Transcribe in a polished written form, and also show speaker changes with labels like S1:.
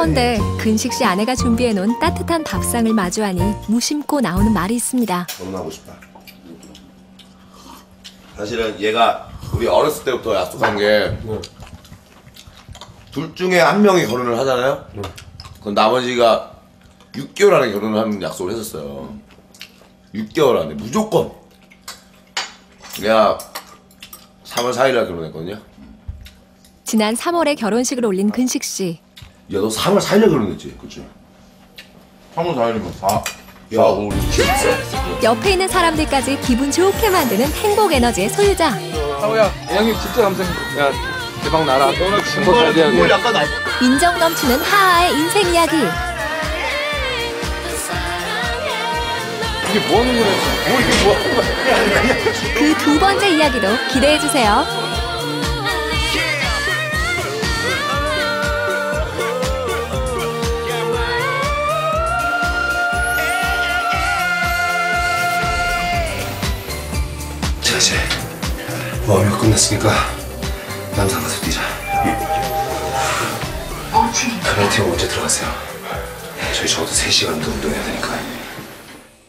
S1: 그런데 근식 씨 아내가 준비해놓은 따뜻한 밥상을 마주하니 무심코 나오는 말이 있습니다.
S2: 결혼하고 싶다. 사실은 얘가 우리 어렸을 때부터 약속한 게 둘 중에 한 명이 결혼을 하잖아요. 그럼 나머지가 6개월 안에 결혼을 하는 약속을 했었어요. 6개월 안에 무조건. 내가 3월 4일날 결혼했거든요.
S1: 지난 3월에 결혼식을 올린 근식 씨.
S2: 야, 너 3월 4일날 결혼했지? 그치?
S3: 3월 4일이면 4.
S2: 야, 5, 6,
S1: 옆에 있는 사람들까지 기분 좋게 만드는 행복 에너지의 소유자.
S4: 하우야, 형님 진짜 감사합니다. 야, 대박 나라. 너는 진짜 잘 돼야 돼.
S1: 인정 넘치는 하하의 인생 이야기.
S4: 이게 뭐 하는 거야? 이게 뭐 하는 거야?
S1: 그 두 번째 이야기도 기대해 주세요.
S2: 자, 이제 모험이 끝났으니까 남산 가서 뛰자. 카메라 팀 언제 들어가세요? 저희 적어도 3시간 더 운동해야 되니까.